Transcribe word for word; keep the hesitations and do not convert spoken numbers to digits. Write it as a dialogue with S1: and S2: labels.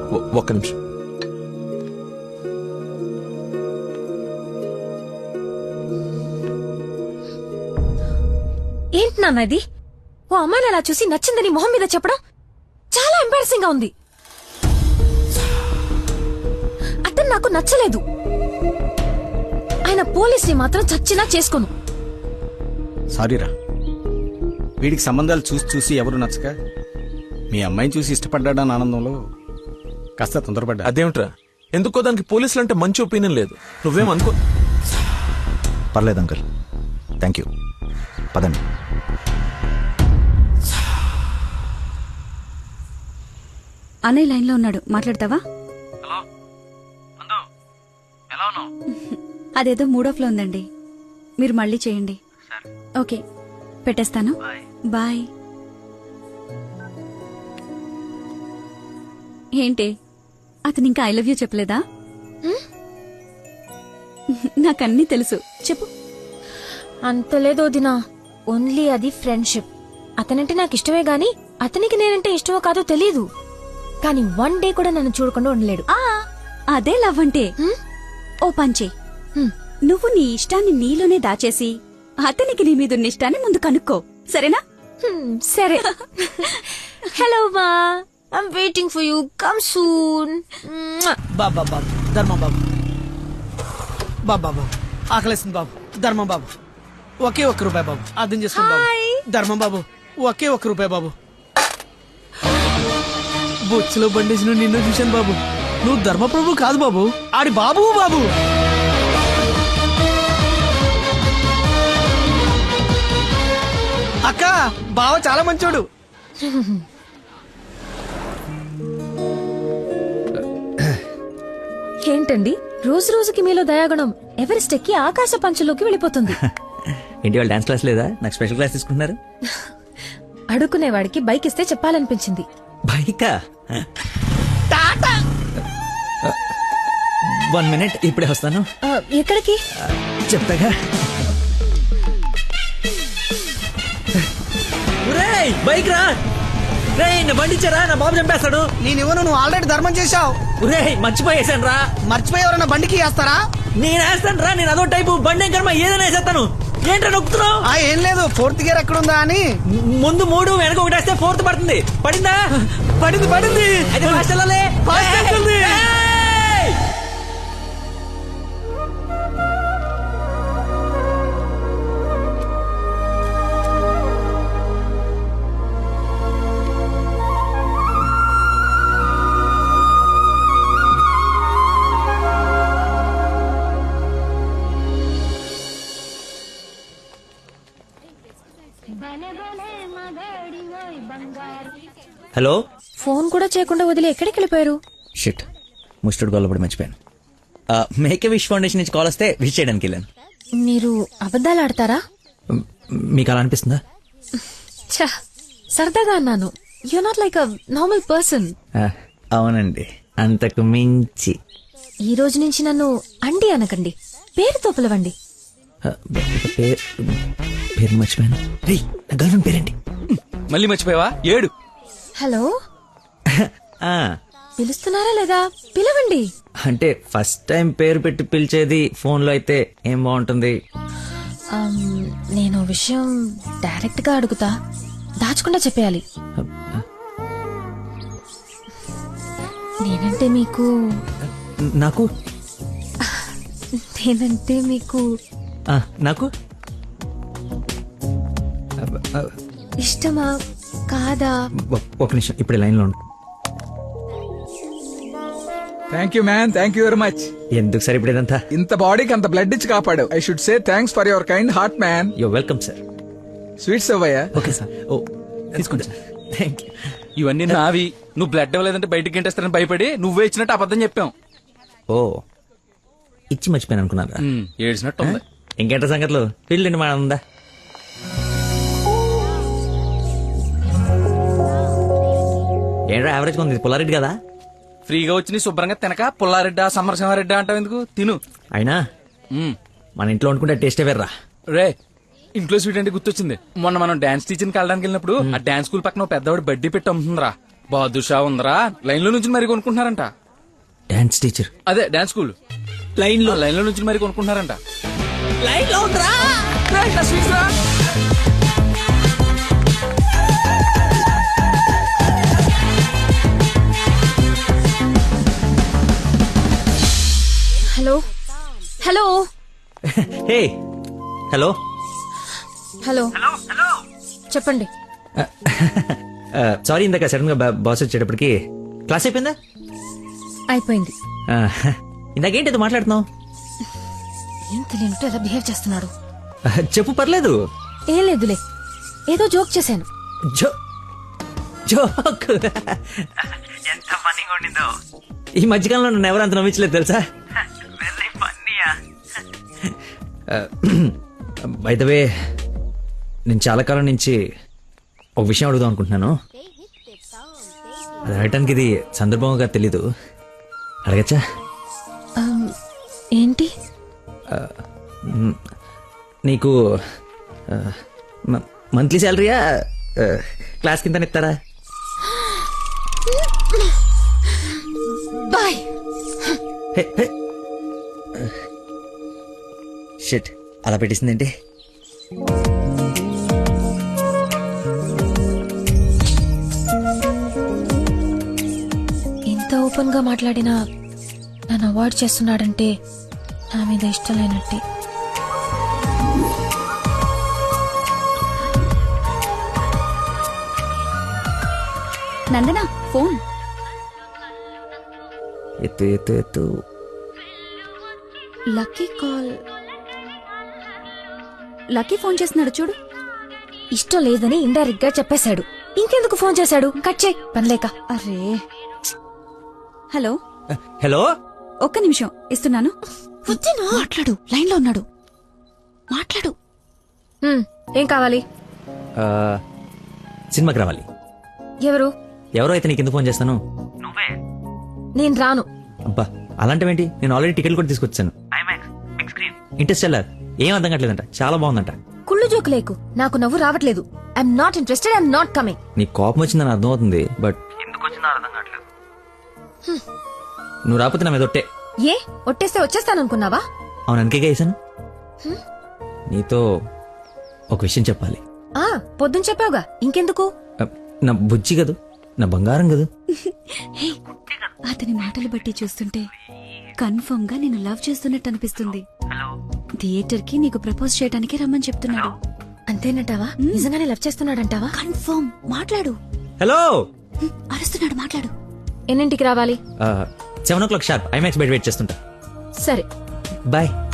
S1: ఒక్క నిమిషం.
S2: ఏంటి నాన్న ఇది? ఓ అమ్మాయిని అలా చూసి నచ్చిందని మొహం మీద చెప్పడం చాలా ఎంబారసింగ్ గా ఉంది. అతను నాకు నచ్చలేదు. ఆయన పోలీసుని మాత్రం చచ్చినా చేసుకోను.
S3: సారీరా, వీడికి సంబంధాలు చూసి చూసి ఎవరు నచ్చక మీ అమ్మాయిని చూసి ఇష్టపడ్డాడని ఆనందంలో కాస్త తొందరపడ్డా.
S1: అదేమిట్రా, ఎందుకో దానికి పోలీసులు అంటే మంచి ఒపీనియన్ లేదు. నువ్వేం అనుకో.
S4: పర్లేదు అంకుల్, థ్యాంక్ యూ. పదండి.
S5: అన్నయ్య లైన్ లో ఉన్నాడు, మాట్లాడతావా? అదేదో మూడో ఫ్లో ఉందండి, మీరు మళ్ళీ చేయండి. ఓకే, పెట్టేస్తాను. బాయ్. ఏంటి, అతను ఇంకా ఐ లవ్ యూ చెప్పలేదా? నాకన్నీ తెలుసు, చెప్పు.
S2: అంత లేదు వదినా, ఓన్లీ అది ఫ్రెండ్షిప్. అతనంటే నాకు ఇష్టమే గాని అతనికి నేనంటే ఇష్టమో కాదో తెలీదు. కానీ వన్ డే కూడా నన్ను చూడకుండా ఉండలేడు.
S5: ఆ అదే లవ్ అంటే. ఓ పంచే, నువ్వు నీ ఇష్టాన్ని నీలోనే దాచేసి అతనికి నీ మీదున్న ఇష్టాన్ని ముందు కనుక్కో, సరేనా?
S2: సరే. హలో మా, I'm waiting for you, come soon.
S6: బాబా బాబు, ధర్మం బాబు, బాబా బాబు, ఆకలేస్తుంది బాబు, ధర్మం బాబు, ఒకే ఒక్క రూపాయి బాబు, అర్థం చేసుకోండి బాబు. ధర్మం బాబు, ఒకే ఒక్క రూపాయి బాబు. బొచ్చులో బండేసిన నిన్ను చూశాను బాబు. నువ్వు ధర్మప్రభు కాదు బాబు, ఆడి బాబు బాబు. అక్క, బావ చాలా మంచోడు.
S2: ఏంటండి రోజు రోజుకి మీలో దయాగుణం ఎవరెస్ట్ ఎక్కి ఆకాశ పంచులోకి వెళ్ళిపోతుంది.
S7: ఏంటి వాళ్ళు డాన్స్ క్లాస్ లేదా? నాకు స్పెషల్ క్లాస్ తీసుకుంటున్నారు.
S2: అడుక్కునేవాడికి బైక్ ఇస్తే చెప్పాలనిపించింది.
S7: బైకా? వన్ మినిట్, ఇప్పుడే వస్తాను.
S2: ఆ, ఎక్కడికి?
S7: చెప్తాగా. ఒరేయ్, బైక్ రా. రేయ్, నా బండి ఇచ్చారా, నా బాబు చంపేస్తాడు.
S6: నేను ఇవ్వను, నువ్వు ఆల్రెడీ ధర్మం చేశావు.
S7: ఒరేయ్, మర్చిపోయేసాను రా.
S6: మర్చిపోయి ఎవరన్నా బండికి వేస్తారా?
S7: నేను వేస్తాను రా, నేను అదో టైపు బండి కర్మ ఏదైనా వేసేస్తాను. ఏంట్రా నొక్కుతున్నావు?
S6: ఆ ఏం లేదు, ఫోర్త్ గేర్ ఎక్కడుందా అని.
S7: ముందు మూడు వెనక ఒకటి వేస్తే ఫోర్త్ పడుతుంది. పడిందా?
S6: పడింది పడింది.
S7: అయితే ఫాస్ట్ వెళ్ళాలి.
S6: ఫాస్ట్ వెళ్తుంది.
S7: హలో.
S2: ఫోన్ కూడా చేయకుండా వదిలి ఎక్కడికి వెళ్ళిపోయారు?
S7: షిట్, ముస్టర్డ్ గొల్లపడి మర్చిపోయాను. మేక్ ఎ విష్ ఫౌండేషన్ నుంచి కాల్ వస్తే విష్ చేయడానికి వెళ్ళాను.
S2: మీరు అబద్ధాలు ఆడతారా?
S7: మ్, మీకు అలా అనిపిస్తుందా?
S2: ఛ, సరదాగా అన్నాను. You not like a normal person.
S7: ఆ, అవునండి, అంతకు మించి.
S2: ఈ రోజు నుంచి నన్ను అండి అనకండి, పేరుతో పిలవండి.
S7: ఆ, పేరు పేరు మర్చిపోయాను. రే, నా గర్ల్ ఫ్రెండ్ పేరేంటి?
S8: మళ్ళీ మర్చిపోయావా? ఏడు.
S2: హలో,
S7: ఆ,
S2: పిలుస్తున్నారా లేదా? పిలవండి.
S7: అంటే ఫస్ట్ టైం పేరు పెట్టి పిలిచేది ఫోన్ లో అయితే ఏం బాగుంటుంది?
S2: ఆమ్, నేను విషయం డైరెక్ట్ గా అడుగుతా, దాచకుండా చెప్పేయాలి. నేనంటే మీకు
S7: నాకు
S2: నేనంటే మీకు
S7: ఆ, నాకు
S2: ఇష్టమా కాదా?
S7: ఒ- ఒక నిమిషం, ఇప్పుడు లైన్ లో ఉండు.
S9: Thank you man, thank you very much.
S7: ఎందుకు సార్ ఇప్పుడు ఇదంతా?
S9: ఇంత బాడీకి అంత బ్లడ్ ఇచ్చి కాపాడు. I should say thanks for your kind heart man.
S7: Yo welcome sir.
S9: Sweets అవ్వయ్యా.
S7: Okay sir. ఓ తీసుకోండి సార్. Thank you.
S8: ఇవన్నీ నావి. నువ్వు బ్లడ్ ఇవ్వలేదంటే బయటికి గంటేస్తారని భయపడి నువ్వే ఇచ్చినట్టు అబద్ధం చెప్పాం.
S7: ఓ, ఇచ్చి మర్చిపోయాను అనుకున్నారా?
S8: ఉమ్, ఏడ్చినట్టు ఉంది.
S7: ఇంకేంట సంగతులు? పిల్లండి మా ఉందా? ఏంట్రా యావరేజ్ ఉంది, పుల్లారెడ్డి కదా?
S8: ఫ్రీగా వచ్చి నీ శుభ్రంగా తినక పుల్లారెడ్డా సమరసింహారెడ్డా అంటావు ఎందుకు? తిను.
S7: అయినా
S8: ఉమ్.
S7: మన ఇంట్లో వండుకుంటే టేస్టే వేర్రా.
S8: రే, ఇంట్లో స్వీట్ అంటే గుర్తొచ్చింది. మొన్న మనం డాన్స్ టీచర్కి వెళ్ళడానికి వెళ్ళినప్పుడు ఆ డాన్స్ స్కూల్ పక్కన ఓ పెద్దవాడు బడ్డీ పెట్టి అమ్ముతుందిరా. బాదుషా ఉందరా లైన్ లో నుంచి మరి కొనుక్కుంటున్నారంట.
S7: Dance teacher.
S8: అదే డాన్స్ స్కూల్
S6: లైన్ లో
S8: లైన్ లో నుంచి మరి కొనుక్కుంటున్నారంట.
S6: లైన్ లో ఉందిరా.
S2: Hello hello
S7: hey hello.
S2: Hello చెప్పండి.
S7: సారీ ఇందాక సడన్ గా బాస్ వచ్చేటప్పటికి క్లాస్ అయిపోయిందా?
S2: అయిపోయింది.
S7: Uh, ఇందాకేంటి ఏదో మాట్లాడుతున్నావు?
S2: ఏం తెలియనట్టు ఎలా బిహేవ్ చేస్తున్నాడు.
S7: Uh, చెప్పు పర్లేదు.
S2: ఏం లేదులే, ఏదో జోక్ చేశాను.
S7: జో జోక్ ఎంత ఫన్నీగా ఉండిందో. ఈ మధ్యకాలంలో నన్ను ఎవరు అంత నమ్మించలేదు తెలుసా. బై ద వే నేను చాలా కాలం నుంచి ఒక విషయం అడుగుదాం అనుకుంటున్నాను. అది అడగటానికి ఇది సందర్భంగా తెలీదు. అడగచ్చా?
S2: Um, ఏంటి?
S7: నీకు మంత్లీ శాలరీయా క్లాస్ కింద ఇస్తారా?
S2: బాయ్.
S7: షిట్, అలా పెట్టేసిందేంటి?
S2: ఇంత ఓపెన్ గా మాట్లాడినా నన్ను అవాయిడ్ చేస్తున్నాడంటే నా మీద ఇష్టం లేనట్టే.
S5: నందనా ఫోన్.
S7: ఎత్తు ఎత్తు ఎత్తు.
S5: Lucky call. లక్కీ ఫోన్ చేస్తున్నాడు చూడు.
S2: ఇష్టం లేదని ఇండైరెక్ట్ గా చెప్పేశాడు. ఇంకెందుకు ఫోన్ చేశాడు? కట్ చేయి పనిలేక.
S5: అరే హలో
S7: హలో.
S5: ఒక్క నిమిషం ఇస్తున్నాను. మాట్లాడు, లైన్ లో ఉన్నాడు. మాట్లాడు.
S2: హ్మ్, ఏం కావాలి?
S7: Uh, సినిమాకి రావాలి.
S2: ఎవరు?
S7: ఎవరో అయితే నీకు ఎందుకు ఫోన్ చేస్తాను?
S2: నేను రాను.
S7: అబ్బా అలాంటివేంటి, నేను ఆల్రెడీ టికెట్ కూడా తీసుకొచ్చాను. ఇంట్రెస్ట్ వెళ్ళారు. ఏం అర్థం కావట్లేదంట, చాలా బాగుందంట.
S2: కుళ్ళు జోకు లేకు, నాకు నవ్వు రావట్లేదు. I'm not interested, I'm not coming.
S7: నీ కోపం వచ్చిందని అర్థం అవుతుంది, బట్ ఎందుకు వచ్చిందో అర్థం కావట్లేదు. నువ్వు రాకపోతే నా మీద ఒట్టే.
S2: ఏ ఒట్టేస్తే వచ్చేస్తాననుకున్నావా?
S7: అవును, అందుకే వేసాను. నీతో ఒక విషయం చెప్పాలి.
S2: ఆ పొద్దున చెప్పావుగా, ఇంకెందుకు?
S7: Uh, నా బుజ్జి కదూ, నా బంగారం కదూ.
S5: హే, అతని మాటలు బట్టి చూస్తుంటే కన్ఫర్మ్ గా నేను లవ్ చేస్తున్నట్టు అనిపిస్తుంది. థియేటర్ కి నీకు ప్రపోజ్ చేయడానికి రమ్మని చెప్తున్నాడు.
S2: అంతేనంటావా? నిజంగానే లవ్ చేస్తున్నాడంటావా?
S5: కన్ఫర్మ్. మాట్లాడు.
S7: హలో.
S5: హ్మ్, అరుస్తున్నాడు, మాట్లాడు.
S2: ఎన్నింటికి రావాలి?
S7: Seven o'clock sharp IMAX బయట వెయిట్ చేస్తుంటా.
S2: సరే
S7: బాయ్.